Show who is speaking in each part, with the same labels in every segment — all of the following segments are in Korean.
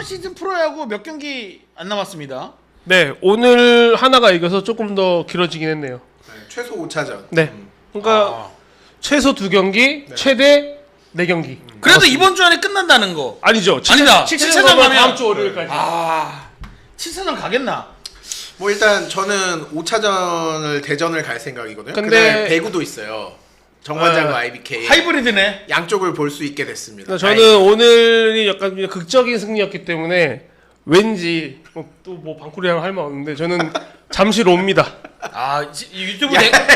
Speaker 1: 시즌 프로야구 몇 경기 안 남았습니다.
Speaker 2: 네, 오늘 하나가 이겨서 조금 더 길어지긴 했네요.
Speaker 3: 네, 최소 5차전.
Speaker 2: 네. 그러니까 최소 2경기,
Speaker 3: 네.
Speaker 2: 최대 4경기.
Speaker 1: 그래도 이번 주 안에 끝난다는 거.
Speaker 2: 아니죠.
Speaker 1: 아니다.
Speaker 2: 7차전
Speaker 1: 가면
Speaker 2: 다음 주 월요일까지.
Speaker 1: 7차전 가겠나?
Speaker 3: 뭐 일단 저는 5차전을 대전을 갈 생각이거든요.
Speaker 2: 근데-
Speaker 3: 근데 배구도 있어요. 정관장과 IBK
Speaker 1: 하이브리드네.
Speaker 3: 양쪽을 볼 수 있게 됐습니다.
Speaker 2: 저는 오늘이 약간 그냥 극적인 승리였기 때문에 왠지 또 뭐 방쿠리랑 할 말 없는데 저는 잠실 옵니다.
Speaker 1: 유튜브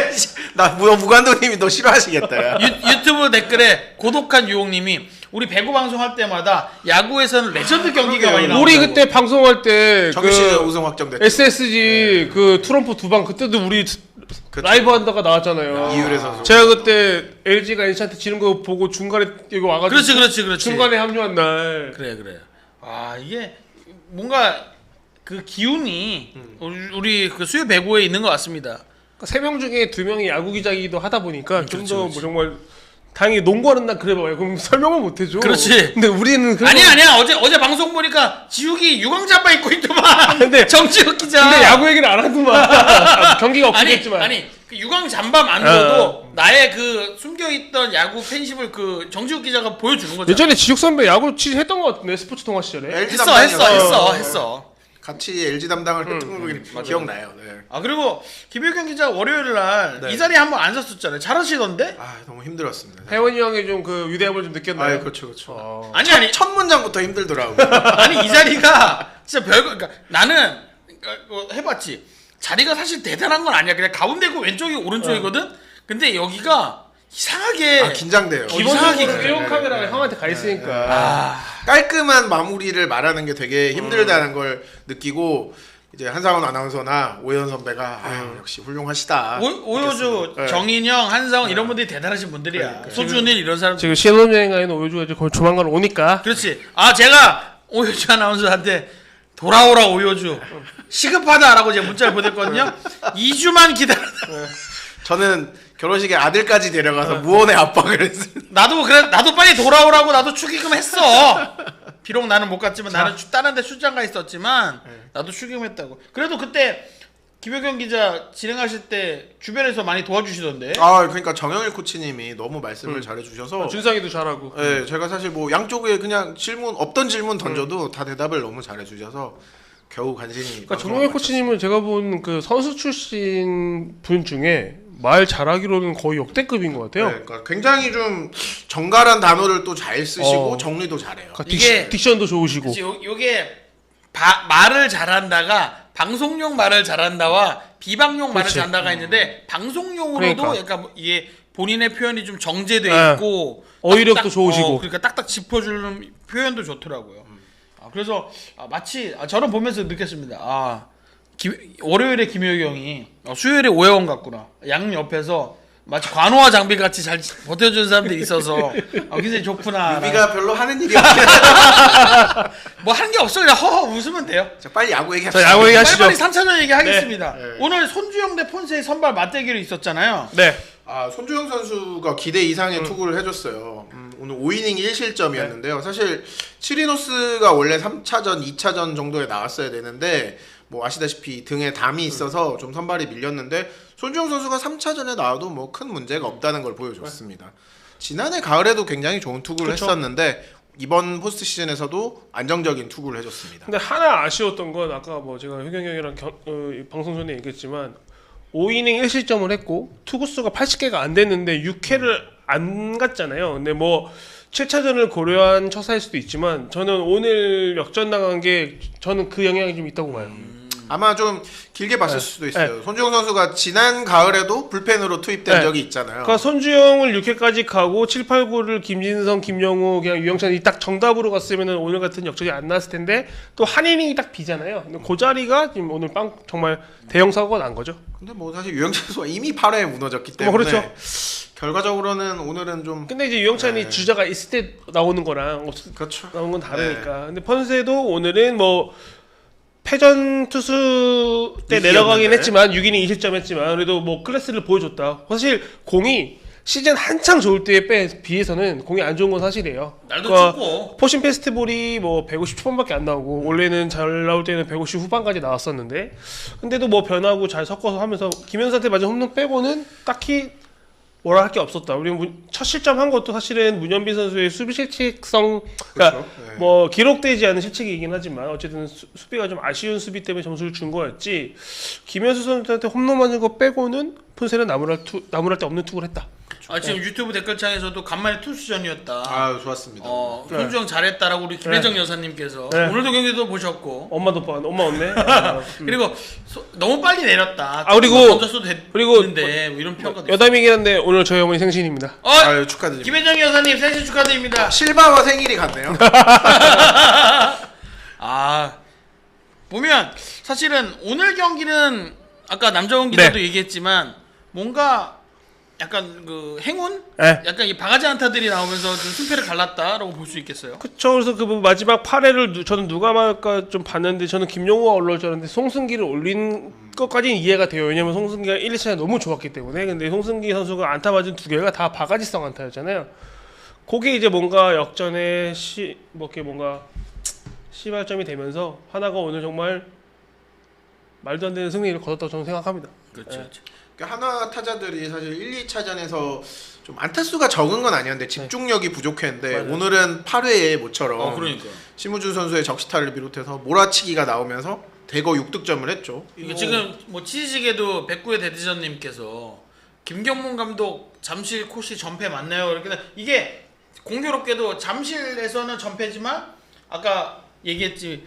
Speaker 3: 나 무관도님이 너 싫어하시겠다. 야.
Speaker 1: 유튜브 댓글에 고독한 유홍님이 우리 배구 방송할 때마다 야구에서는 레전드 경기가 많이 나온다고.
Speaker 2: 우리 그때 방송할 때
Speaker 3: 정규 시즌 우승 확정됐죠.
Speaker 2: SSG 그 트럼프 2방 그때도 우리 라이브 한다가 나왔잖아요.
Speaker 3: 이유래 선수.
Speaker 2: 제가 그때 LG가 NC한테 지는 거 보고 중간에 여기 와가지고
Speaker 1: 그렇지.
Speaker 2: 중간에 합류한 날.
Speaker 1: 그래. 이게 뭔가 그 기운이 우리 그 수요 배구에 있는 것 같습니다.
Speaker 2: 3명 중에 2명이 야구 기자이기도 하다 보니까 좀 더
Speaker 1: 그렇지.
Speaker 2: 뭐 정말 다행히 농구하는 날 그래 봐요. 그럼 설명을 못 해줘.
Speaker 1: 그렇지.
Speaker 2: 근데 우리는
Speaker 1: 아니야. 어제 방송 보니까 지욱이 유광잠바 입고 있더만.
Speaker 2: 근데-
Speaker 1: 정지욱 기자.
Speaker 2: 근데 야구 얘기를 안 하더만. 경기가 없긴 했지만.
Speaker 1: 그 유광잠바만으로도 나의 그 숨겨있던 야구 팬심을 그 정지욱 기자가 보여주는 거죠.
Speaker 2: 예전에 지육 선배 야구 했던 것 같은데 스포츠 통화 시절에.
Speaker 3: LG
Speaker 1: 했어.
Speaker 3: 담당이었어요. 같이 LG 담당을 했던 거 기억나요. 네.
Speaker 1: 그리고 김효경 기자 월요일 날 이 자리에 한번 앉았었잖아요. 잘하셨던데?
Speaker 3: 너무 힘들었습니다.
Speaker 2: 혜원이 형이 좀 그 위대함을 좀 느꼈나요?
Speaker 3: 그렇죠.
Speaker 1: 아니.
Speaker 3: 첫 문장부터 힘들더라고.
Speaker 1: 아니 이 자리가 진짜 별거. 그러니까 나는 해봤지. 자리가 사실 대단한 건 아니야. 그냥 가운데 있고 왼쪽이 오른쪽이거든. 근데 여기가 이상하게
Speaker 3: 긴장돼요.
Speaker 2: 기본적으로
Speaker 1: 이상하게
Speaker 2: film 카메라가 형한테 가 있으니까.
Speaker 3: 깔끔한 마무리를 말하는 게 되게 힘들다는 걸 느끼고 이제 한상원 아나운서나 오현 선배가 역시 훌륭하시다.
Speaker 1: 오효주,
Speaker 3: 네.
Speaker 1: 정인영, 한상원 이런 분들이 대단하신 분들이야. 소준일 이런 사람.
Speaker 2: 지금 신혼여행 가는 오유주가 이제 거의 조만간 오니까.
Speaker 1: 그렇지. 제가 오효주 아나운서한테 돌아오라 오효주 시급하다라고 제가 문자를 보냈거든요. 2주만 기다려.
Speaker 3: 저는 결혼식에 아들까지 데려가서 무언의 압박을 했습니다.
Speaker 1: 나도 빨리 돌아오라고 나도 축의금 했어. 비록 나는 못 갔지만 나는 다른 데 출장 가 있었지만 나도 축의금했다고. 그래도 그때 김효경 기자 진행하실 때 주변에서 많이 도와주시던데.
Speaker 3: 그러니까 정영일 코치님이 너무 말씀을 잘해주셔서
Speaker 2: 준상이도 잘하고.
Speaker 3: 네, 제가 사실 뭐 양쪽에 그냥 없던 질문 던져도 다 대답을 너무 잘해주셔서 겨우 간신히.
Speaker 2: 그러니까 정영일 코치님은 제가 본 그 선수 출신 분 중에 말 잘하기로는 거의 역대급인 것 같아요.
Speaker 3: 네, 그러니까 굉장히 좀 정갈한 단어를 또 잘 쓰시고 정리도 잘해요.
Speaker 2: 그러니까
Speaker 1: 이게-
Speaker 2: 딕션도 좋으시고.
Speaker 1: 요게 말을 잘한다가 방송용 말을 잘한다와 비방용 말을
Speaker 2: 그렇지.
Speaker 1: 잘한다가 있는데 방송용으로도
Speaker 2: 그러니까.
Speaker 1: 약간 이게 본인의 표현이 좀 정제돼
Speaker 2: 네.
Speaker 1: 있고
Speaker 2: 어휘력도
Speaker 1: 딱딱,
Speaker 2: 좋으시고.
Speaker 1: 그러니까 딱딱 짚어주는 표현도 좋더라고요. 그래서 마치 저는 보면서 느꼈습니다. 월요일에 김효경이 수요일에 오해원 같구나. 양 옆에서 마치 관호와 장비 같이 잘 버텨주는 사람들이 있어서 굉장히 좋구나.
Speaker 3: 유비가 별로 하는 일이 없긴
Speaker 1: 뭐 하는 게 없어. 그냥 허허 웃으면 돼요.
Speaker 3: 자, 빨리 야구 얘기합시다.
Speaker 2: 자, 야구 얘기하시죠.
Speaker 1: 빨리빨리 3차전 얘기하겠습니다.
Speaker 3: 네.
Speaker 1: 오늘 손주영 대 폰세의 선발 맞대결이 있었잖아요.
Speaker 2: 네.
Speaker 3: 손주영 선수가 기대 이상의 투구를 해줬어요. 오늘 5이닝 1실점이었는데요. 사실 치리노스가 원래 3차전, 2차전 정도에 나왔어야 되는데 뭐 아시다시피 등에 담이 있어서 좀 선발이 밀렸는데 손주영 선수가 3차전에 나와도 뭐 큰 문제가 없다는 걸 보여줬습니다. 지난해 가을에도 굉장히 좋은 투구를
Speaker 2: 그쵸.
Speaker 3: 했었는데 이번 포스트 시즌에서도 안정적인 투구를 해줬습니다.
Speaker 2: 근데 하나 아쉬웠던 건 아까 뭐 제가 효경 형이랑 방송 전에 얘기했지만 5이닝 1실점을 했고 투구수가 80개가 안 됐는데 6회를 안 갔잖아요. 근데 뭐 7차전을 고려한 처사일 수도 있지만 저는 오늘 역전 나간 게 저는 그 영향이 좀 있다고 봐요.
Speaker 3: 아마 좀 길게 봤을 수도 있어요. 손주영 선수가 지난 가을에도 불펜으로 투입된 적이 있잖아요.
Speaker 2: 그러니까 손주영을 6회까지 가고 7, 8, 9를 김진성, 김영우, 그냥 유영찬이 딱 정답으로 갔으면 오늘 같은 역전이 안 났을 텐데 또 한 이닝이 딱 비잖아요. 근데 그 자리가 지금 오늘 정말 대형 사고가 난 거죠.
Speaker 3: 근데 뭐 사실 유영찬 선수가 이미 8회에 무너졌기 때문에
Speaker 2: 그렇죠.
Speaker 3: 결과적으로는 오늘은 좀
Speaker 2: 근데 이제 유영찬이 주자가 있을 때 나오는 거랑
Speaker 3: 그렇죠.
Speaker 2: 나오는 건 다르니까. 근데 펀세도 오늘은 뭐 패전 투수 때 내려가긴 했지만 6이닝 2실점 했지만 그래도 뭐 클래스를 보여줬다. 사실 공이 시즌 한창 좋을 때에 비해서는 공이 안 좋은 건 사실이에요.
Speaker 1: 날도
Speaker 2: 그러니까
Speaker 1: 춥고
Speaker 2: 포신 페스티벌이 뭐 150 초반밖에 안 나오고 원래는 잘 나올 때는 150 후반까지 나왔었는데 근데도 뭐 변하고 잘 섞어서 하면서 김현수한테 맞은 홈런 빼고는 딱히 뭐라 할 게 없었다. 우리 첫 실점한 것도 사실은 문현빈 선수의 수비 실책성, 그러니까
Speaker 3: 그렇죠. 네.
Speaker 2: 뭐 기록되지 않은 실책이긴 하지만 어쨌든 수비가 좀 아쉬운 수비 때문에 점수를 준 거였지. 김현수 선수한테 홈런 맞은 거 빼고는 폰세는 나무랄 데 없는 투구를 했다.
Speaker 1: 지금 유튜브 댓글창에서도 간만에 투수전이었다.
Speaker 3: 아 좋았습니다.
Speaker 1: 손주영 잘했다라고 우리 김혜정 여사님께서
Speaker 2: 네.
Speaker 1: 오늘도 경기도 보셨고
Speaker 2: 엄마 없네.
Speaker 1: 그리고 너무 빨리 내렸다.
Speaker 2: 그리고
Speaker 1: 던졌어도
Speaker 2: 그리고
Speaker 1: 됐는데 뭐 이런 평가도 있어요.
Speaker 2: 여담이긴 한데 오늘 저희 어머니 생신입니다.
Speaker 3: 아유 축하드립니다.
Speaker 1: 김혜정 여사님 생신 축하드립니다.
Speaker 3: 실바와 생일이 같네요.
Speaker 1: 보면 사실은 오늘 경기는 아까 남정훈 기자도
Speaker 2: 네.
Speaker 1: 얘기했지만 뭔가 약간 그 행운,
Speaker 2: 네.
Speaker 1: 약간 이 바가지 안타들이 나오면서 좀 승패를 갈랐다라고 볼 수 있겠어요.
Speaker 2: 그쵸. 그래서 그 마지막 8회를 저는 누가 말까 좀 봤는데 저는 김용호가 올라올 줄 알았는데 송승기를 올린 것까지는 이해가 돼요. 왜냐면 송승기가 1, 2차에 너무 좋았기 때문에. 근데 송승기 선수가 안타 맞은 2개가 다 바가지성 안타였잖아요. 그게 이제 뭔가 역전의 이렇게 뭔가 시발점이 되면서 하나가 오늘 정말 말도 안 되는 승리를 거뒀다고 저는 생각합니다.
Speaker 1: 그렇죠.
Speaker 3: 하나 타자들이 사실 1, 2차전에서 좀 안타수가 적은 건 아니었는데 집중력이 부족했는데
Speaker 2: 맞아요.
Speaker 3: 오늘은 8회에 모처럼
Speaker 1: 그러니까.
Speaker 3: 심우준 선수의 적시타를 비롯해서 몰아치기가 나오면서 대거 6득점을 했죠.
Speaker 1: 이게 지금 뭐 치지직에도 백구의 대디전님께서 김경문 감독 잠실 코시 전패 맞나요? 이렇게 이게 공교롭게도 잠실에서는 전패지만 아까 얘기했지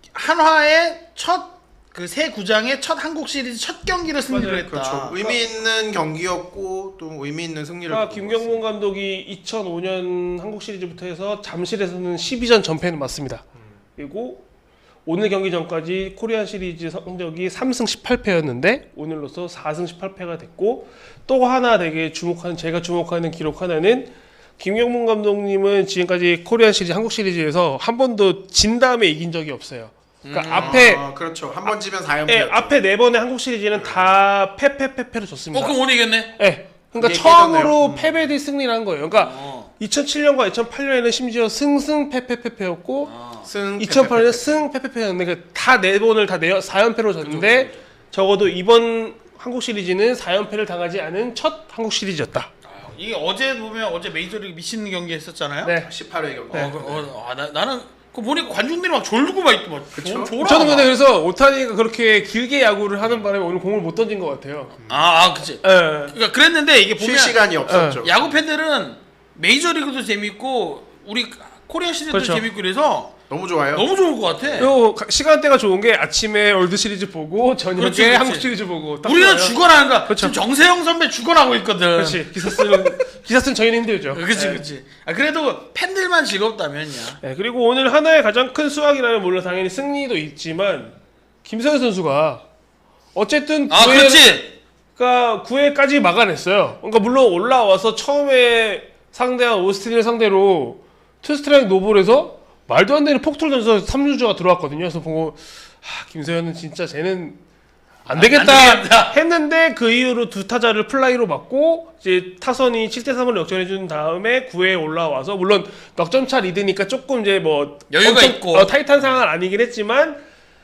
Speaker 1: 한화의 그 새 구장의 첫 한국 시리즈 첫 경기를 승리를 했다.
Speaker 3: 그렇죠. 의미 있는 경기였고 또 의미 있는 승리를.
Speaker 2: 그러니까 김경문 감독이 2005년 한국 시리즈부터 해서 잠실에서는 12전 전패는 맞습니다. 그리고 오늘 경기 전까지 코리안 시리즈 성적이 3승 18패였는데 오늘로서 4승 18패가 됐고 또 하나 되게 제가 주목하는 기록 하나는 김경문 감독님은 지금까지 코리안 시리즈 한국 시리즈에서 한 번도 진 다음에 이긴 적이 없어요. 그러니까 앞에
Speaker 3: 그렇죠. 한 번 지면 4연패.
Speaker 2: 예, 앞에 4번의 한국 시리즈는 다 패패패패로 졌습니다.
Speaker 1: 그럼 오늘 이겼네.
Speaker 2: 예. 그러니까
Speaker 3: 그게
Speaker 2: 처음으로 패배 뒤 승리를 한 거예요. 그러니까
Speaker 1: 어.
Speaker 2: 2007년과 2008년에는 심지어 승승 패패패패였고
Speaker 3: 승
Speaker 2: 2008년에 승 패패패였는데 그러니까 다 4번을 다 4연패로 졌는데 적어도 이번 한국 시리즈는 4연패를 당하지 않은 첫 한국 시리즈였다.
Speaker 1: 이게 어제 보면 어제 메이저리그 미친 경기 했었잖아요.
Speaker 2: 네.
Speaker 3: 18회 경기.
Speaker 1: 나는 그 보니까 관중들이 막 졸고 막 있고 막
Speaker 3: 그쵸?
Speaker 1: 졸아.
Speaker 2: 저는 근데 그래서 오타니가 그렇게 길게 야구를 하는 바람에 오늘 공을 못 던진 것 같아요.
Speaker 1: 그치.
Speaker 2: 예.
Speaker 1: 그러니까 그랬는데 이게
Speaker 3: 쉴
Speaker 1: 보면
Speaker 3: 시간이 없었죠.
Speaker 1: 야구 팬들은 메이저리그도 재밌고 우리 코리아 시리즈도
Speaker 2: 그렇죠.
Speaker 1: 재밌고 그래서
Speaker 3: 너무 좋아요.
Speaker 1: 너무 좋을 것 같아.
Speaker 2: 그리고 시간대가 좋은 게 아침에 월드 시리즈 보고 저녁에
Speaker 1: 그렇지, 그렇지.
Speaker 2: 한국 시리즈 보고 딱
Speaker 1: 우리는
Speaker 2: 좋아요.
Speaker 1: 죽어나는 거야.
Speaker 2: 그렇죠.
Speaker 1: 지금 정세영 선배 죽어나고 있거든.
Speaker 2: 그렇지. 기사 쓰는 저희는 힘들죠.
Speaker 1: 그렇지,
Speaker 2: 예.
Speaker 1: 그렇지. 그래도 팬들만 즐겁다면야.
Speaker 2: 네, 그리고 오늘 하나의 가장 큰 수확이라면 물론 당연히 승리도 있지만 김서현 선수가 어쨌든
Speaker 1: 그렇지.
Speaker 2: 그러니까 9회까지 막아냈어요. 그러니까 물론 올라와서 처음에 상대한 오스틴을 상대로 투스트라이크 노볼에서 말도 안 되는 폭투를 던져서 3루주가 들어왔거든요. 그래서 보고 김서현은 진짜 쟤는 안 되겠다
Speaker 1: 안 되겠다.
Speaker 2: 했는데 그 이후로 두 타자를 플라이로 맞고 이제 타선이 7대3으로 역전해 준 다음에 9회에 올라와서 물론 넉점차 리드니까 조금 이제 뭐
Speaker 1: 여유가 있고.
Speaker 2: 타이트한 상황은 아니긴 했지만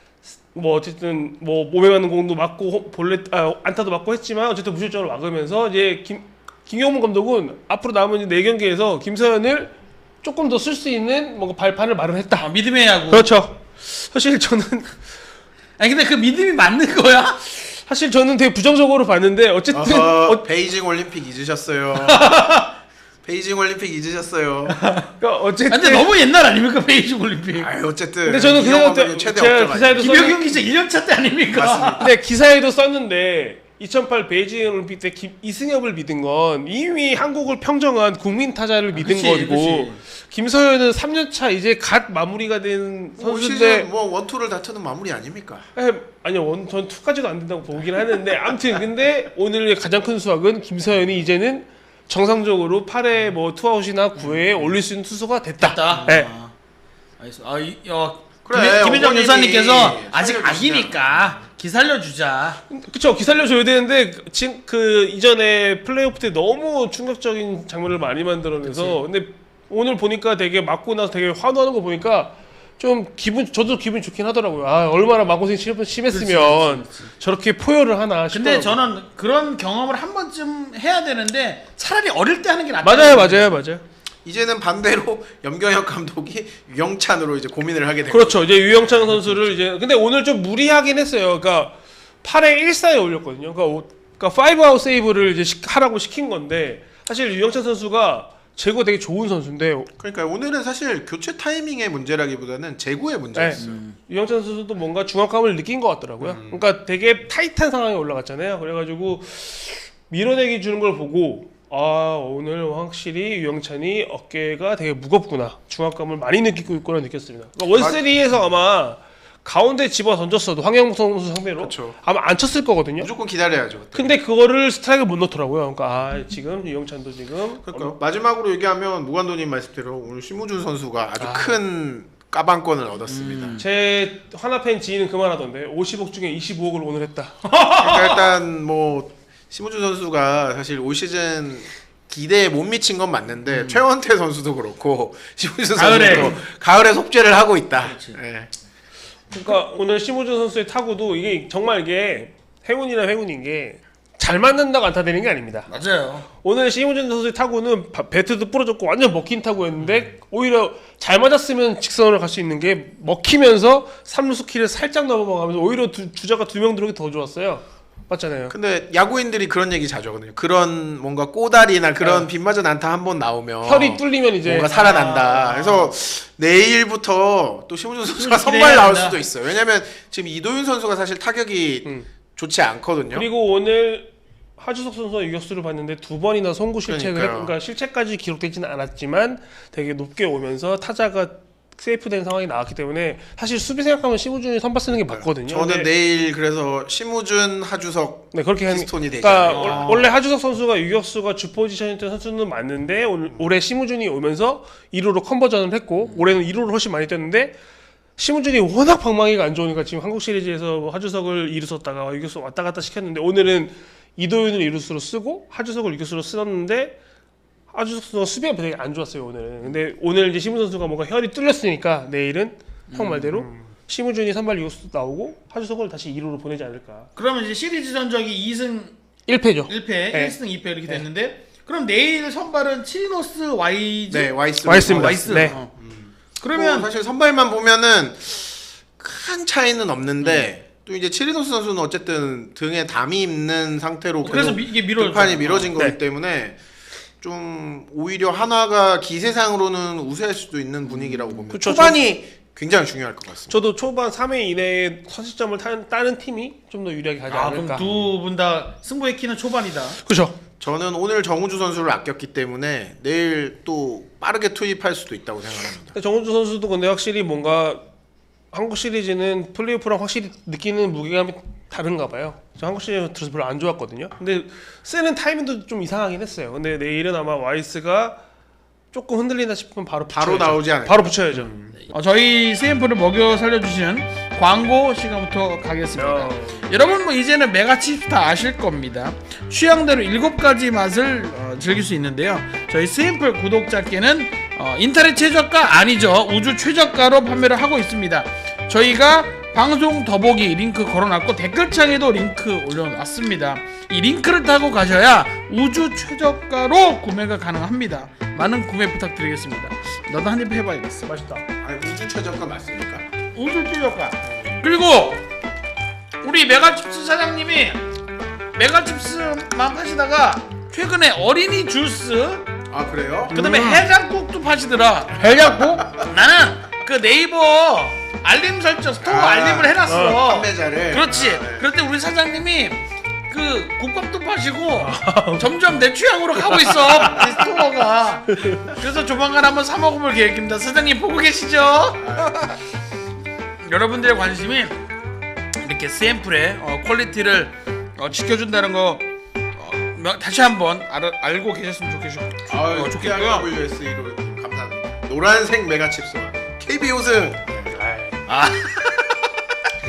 Speaker 2: 뭐 어쨌든 뭐 몸에 맞는 공도 맞고 안타도 맞고 했지만 어쨌든 무실점으로 막으면서 이제 김경문 감독은 앞으로 남은 이제 4경기에서 김서현을 조금 더 쓸 수 있는 뭔가 발판을 마련했다.
Speaker 1: 믿음의 야구.
Speaker 2: 그렇죠. 사실 저는
Speaker 1: 아니 근데 그 믿음이 맞는 거야?
Speaker 2: 사실 저는 되게 부정적으로 봤는데 어쨌든
Speaker 3: 베이징 올림픽 잊으셨어요. 베이징 올림픽 잊으셨어요.
Speaker 2: 그러니까 어쨌든
Speaker 1: 근데 너무 옛날 아닙니까 베이징 올림픽?
Speaker 3: 아유 어쨌든.
Speaker 2: 근데 저는 그 생각 때
Speaker 3: 최대
Speaker 2: 제가
Speaker 3: 업적
Speaker 2: 기사에도
Speaker 1: 김효경 기자 1년차 때 아닙니까?
Speaker 3: 맞습니다.
Speaker 2: 근데 기사에도 썼는데 2008 베이징 올림픽 때 이승엽을 믿은 건 이미 한국을 평정한 국민 타자를 믿은
Speaker 1: 그치,
Speaker 2: 거고
Speaker 1: 그치.
Speaker 2: 김서현은 3년차 이제 갓 마무리가 된 선수인데
Speaker 3: 시즌 뭐 원투를 다투는 마무리 아닙니까?
Speaker 2: 아니요 전 2까지도 안 된다고 보긴 하는데 아무튼 근데 오늘 가장 큰 수확은 김서현이 이제는 정상적으로 8회 뭐 투아웃이나 9회에 올릴 수 있는 투수가 됐다. 네.
Speaker 1: 알겠어.
Speaker 3: 그래,
Speaker 1: 김혜정
Speaker 3: 어머님이
Speaker 1: 여사님께서 아직
Speaker 3: 살려주시면.
Speaker 1: 아기니까 기살려주자.
Speaker 2: 그쵸, 기살려줘야 되는데 지금 그 이전에 플레이오프 때 너무 충격적인 장면을 많이 만들어내서 근데 오늘 보니까 되게 맞고 나서 되게 환호하는 거 보니까 좀 저도 기분 좋긴 하더라고요. 아, 얼마나 마음고생이 심했으면
Speaker 1: 그렇지.
Speaker 2: 저렇게 포효를 하나
Speaker 1: 근데
Speaker 2: 싶더라고요.
Speaker 1: 저는 그런 경험을 한 번쯤 해야 되는데 차라리 어릴 때 하는 게 낫다.
Speaker 2: 맞아요.
Speaker 3: 이제는 반대로 염경엽 감독이 유영찬으로 이제 고민을 하게 된
Speaker 2: 그렇죠. 이제 유영찬 선수를 이제 근데 오늘 좀 무리하긴 했어요. 그러니까 8회 1사에 올렸거든요. 그러니까 5아웃 세이브를 이제 하라고 시킨 건데 사실 유영찬 선수가 제구가 되게 좋은 선수인데
Speaker 3: 그러니까 오늘은 사실 교체 타이밍의 문제라기보다는 제구의 문제였어요.
Speaker 2: 유영찬 선수도 뭔가 중압감을 느낀 것 같더라고요. 그러니까 되게 타이트한 상황에 올라갔잖아요. 그래가지고 밀어내기 주는 걸 보고 아 오늘 확실히 유영찬이 어깨가 되게 무겁구나, 중압감을 많이 느끼고 있구나 느꼈습니다. 그러니까 원세리에서 아마 가운데 집어 던졌어도 황영무 선수 상대로
Speaker 3: 그렇죠.
Speaker 2: 아마 안 쳤을 거거든요.
Speaker 3: 무조건 기다려야죠. 그때.
Speaker 2: 근데 그거를 스트라이크를 못 넣더라고요. 그러니까 아 지금 유영찬도 지금
Speaker 3: 그러니까 마지막으로 얘기하면 무관도님 말씀대로 오늘 심우준 선수가 아주 큰 까방권을 얻었습니다.
Speaker 2: 제 하나팬 지인은 그만하던데 50억 중에 25억을 오늘 했다.
Speaker 3: 그러니까 일단 뭐 심우준 선수가 사실 올 시즌 기대에 못 미친 건 맞는데 최원태 선수도 그렇고 심우준 선수도 가을에 속죄를 하고 있다. 예.
Speaker 2: 그러니까 오늘 심우준 선수의 타구도 이게 정말 이게 행운인 게 잘 맞는다고 안타되는 게 아닙니다.
Speaker 1: 맞아요.
Speaker 2: 오늘 심우준 선수의 타구는 배트도 부러졌고 완전 먹힌 타구였는데 오히려 잘 맞았으면 직선으로 갈 수 있는 게 먹히면서 3루수 키를 살짝 넘어가면서 오히려 주자가 2명 들어오기 더 좋았어요. 맞잖아요.
Speaker 3: 근데 야구인들이 그런 얘기 자주 하거든요. 그런 뭔가 꼬다리나 그런 빗맞은 안타 한 번 나오면
Speaker 2: 혈이 뚫리면 이제
Speaker 3: 뭔가 살아난다. 그래서 내일부터 또 심우준 선수가 선발 나올 수도 있어요. 왜냐면 지금 이도윤 선수가 사실 타격이 좋지 않거든요.
Speaker 2: 그리고 오늘 하주석 선수가 유격수를 봤는데 2번이나 송구 실책을 그러니까 실책까지 기록되지는 않았지만 되게 높게 오면서 타자가 세이프된 상황이 나왔기 때문에 사실 수비 생각하면 심우준이 선발 쓰는 게 맞거든요.
Speaker 3: 저는 내일 그래서 심우준, 하주석
Speaker 2: 네, 그렇게
Speaker 3: 피스톤이 되잖아요.
Speaker 2: 그러니까 원래 하주석 선수가 유격수가 주 포지션이었던 선수는 맞는데 올해 심우준이 오면서 1루로 컨버전을 했고 올해는 1루를 훨씬 많이 뛰었는데 심우준이 워낙 방망이가 안 좋으니까 지금 한국 시리즈에서 하주석을 2루 썼다가 유격수 왔다 갔다 시켰는데 오늘은 이도윤을 2루수로 쓰고 하주석을 유격수로 쓰었는데 하주석 선수가 수비가 되게 안 좋았어요 오늘은. 근데 오늘 이제 심우준 선수가 뭔가 혈이 뚫렸으니까 내일은 형 말대로 심우준이 선발 유격수 나오고 하주석을 다시 2루로 보내지 않을까.
Speaker 1: 그러면 이제 시리즈 전적이 2승
Speaker 2: 1패죠.
Speaker 1: 1패,
Speaker 2: 네.
Speaker 1: 1승 2패 이렇게 됐는데 그럼 내일 선발은 치리노스 와이즈?
Speaker 3: 네,
Speaker 2: 와이스입니다.
Speaker 1: 와이스.
Speaker 2: 네.
Speaker 1: 그러면
Speaker 3: 사실 선발만 보면은 큰 차이는 없는데 또 이제 치리노스 선수는 어쨌든 등에 담이 있는 상태로
Speaker 1: 그래서
Speaker 3: 계속
Speaker 1: 이게 밀어졌잖아요.
Speaker 3: 등판이 미뤄진 거기
Speaker 2: 네.
Speaker 3: 때문에 좀 오히려 한화가 기세상으로는 우세할 수도 있는 분위기라고 봅니다.
Speaker 2: 그쵸,
Speaker 3: 초반이 굉장히 중요할 것 같습니다.
Speaker 2: 저도 초반 3회 이내에 선취점을 따는 팀이 좀 더 유리하게 하지 않을까.
Speaker 1: 그럼 두 분 다 승부의 키는 초반이다.
Speaker 2: 그렇죠.
Speaker 3: 저는 오늘 정우주 선수를 아꼈기 때문에 내일 또 빠르게 투입할 수도 있다고 생각합니다.
Speaker 2: 정우주 선수도 근데 확실히 뭔가 한국 시리즈는 플레이오프랑 확실히 느끼는 무게감이 다른가 봐요. 저 한국 시리즈 들어서 별로 안 좋았거든요. 근데 쓰는 타이밍도 좀 이상하긴 했어요. 근데 내일은 아마 와이스가 조금 흔들린다 싶으면 바로
Speaker 3: 나오지 않을까.
Speaker 2: 바로 붙여야죠.
Speaker 1: 저희 CM프를 먹여 살려주시는 광고 시간부터 가겠습니다. 여러분 뭐 이제는 메가칩스 다 아실 겁니다. 취향대로 7가지 맛을 즐길 수 있는데요. 저희 CM플 구독자께는 인터넷 최저가 아니죠. 우주 최저가로 판매를 하고 있습니다. 저희가 방송 더보기 링크 걸어놨고 댓글창에도 링크 올려놨습니다. 이 링크를 타고 가셔야 우주 최저가로 구매가 가능합니다. 많은 구매 부탁드리겠습니다. 너도 한입 해봐야겠어.
Speaker 2: 맛있다.
Speaker 3: 아니, 우주 최저가 맞습니까?
Speaker 1: 우주 최저가. 그리고 우리 메가칩스 사장님이 메가칩스만 파시다가 최근에 어린이 주스
Speaker 3: 아 그래요?
Speaker 1: 그다음에 해장국도 파시더라. 해장국? 나는 그 네이버 알림 설정 스토어 알림을 해놨어.
Speaker 3: 판매자를.
Speaker 1: 그렇지. 그럴 때 우리 사장님이 그 국밥도 파시고 점점 내 취향으로 가고 있어. 이 스토어가. 그래서 조만간 한번 사 먹어볼 계획입니다. 사장님 보고 계시죠? 여러분들의 관심이 이렇게 샘플의 퀄리티를 지켜준다는 거 다시 한번 알고 계셨으면 좋겠고요.
Speaker 3: WSE로 감사합니다. 노란색 메가칩스와 KB 우승.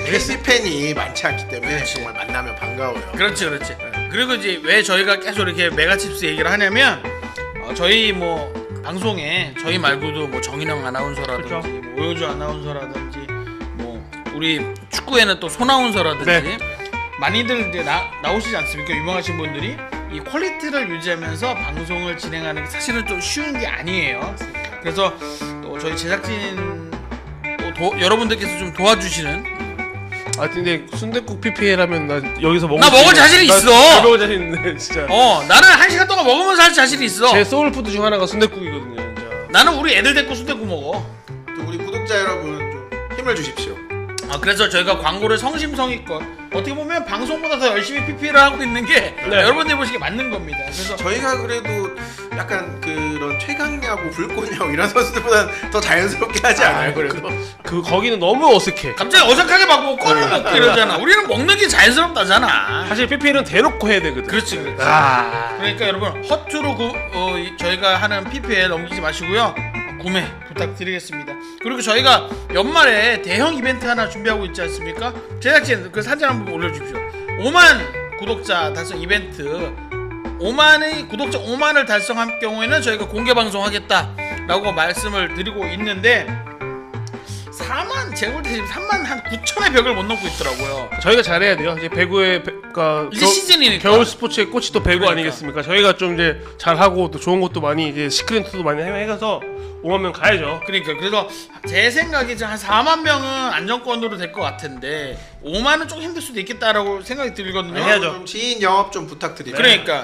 Speaker 3: KC 팬이 많지 않기 때문에 정말 만나면 반가워요.
Speaker 1: 그렇지. 그리고 이제 왜 저희가 계속 이렇게 메가칩스 얘기를 하냐면 저희 뭐 방송에 저희 말고도 뭐 정인영 아나운서라든지
Speaker 2: 그렇죠.
Speaker 1: 뭐 오효주 아나운서라든지 뭐 우리 축구에는 또 손아운서라든지
Speaker 2: 네.
Speaker 1: 많이들 이제 나오시지 않습니까? 유명하신 분들이 이 퀄리티를 유지하면서 방송을 진행하는 게 사실은 좀 쉬운 게 아니에요. 그래서 또 저희 제작진 또 여러분들께서 좀 도와주시는.
Speaker 2: 아 근데 순댓국 PPL하면 나 여기서 먹을
Speaker 1: 나 먹을 자신
Speaker 2: 나
Speaker 1: 있어.
Speaker 2: 잘 먹을 자신 있는데 진짜.
Speaker 1: 나는 1시간 동안 먹으면서 할 자신 있어.
Speaker 2: 제 소울푸드 중 하나가 순댓국이거든요. 진짜.
Speaker 1: 나는 우리 애들 데리고 순댓국 먹어.
Speaker 3: 또 우리 구독자 여러분 좀 힘을 주십시오.
Speaker 1: 그래서 저희가 광고를 성심성의껏 어떻게 보면 방송보다 더 열심히 PPL을 하고 있는 게
Speaker 2: 네.
Speaker 1: 여러분들이 보시기에 맞는 겁니다. 그래서
Speaker 3: 저희가 그래도 약간 그런 최강야구, 불꽃야구 이런 선수들보다는 더 자연스럽게 하지 않아요? 그래도
Speaker 2: 그 거기는 너무 어색해.
Speaker 1: 갑자기 어색하게 막 뭐 껌을 먹고 이러잖아. 우리는 먹는 게 자연스럽다잖아.
Speaker 2: 사실 PPL은 대놓고 해야 되거든.
Speaker 1: 그렇지. 그러니까 여러분 허투루 저희가 하는 PPL 넘기지 마시고요. 구매 부탁드리겠습니다. 그리고 저희가 연말에 대형 이벤트 하나 준비하고 있지 않습니까? 제작진 그 사진 한번 올려주십시오. 5만 구독자 달성 이벤트. 5만의 구독자 5만을 달성할 경우에는 저희가 공개 방송하겠다라고 말씀을 드리고 있는데 4만 제가 볼 때 지금 3만 한 9천의 벽을 못 넘고 있더라고요.
Speaker 2: 저희가 잘해야 돼요. 이제 배구의 그러니까
Speaker 1: 이제 시즌이니까.
Speaker 2: 겨울 스포츠의 꽃이 또 배구
Speaker 1: 그러니까.
Speaker 2: 아니겠습니까? 저희가 좀 이제 잘하고 또 좋은 것도 많이 이제 시크릿도 많이 해가서 5만 명 가야죠.
Speaker 1: 그러니까 그래서 제 생각이 한 4만 명은 안정권으로 될 것 같은데 5만은 좀 힘들 수도 있겠다라고 생각이 들거든요.
Speaker 2: 해야죠.
Speaker 3: 좀 지인 영업 좀 부탁드립니다.
Speaker 1: 그러니까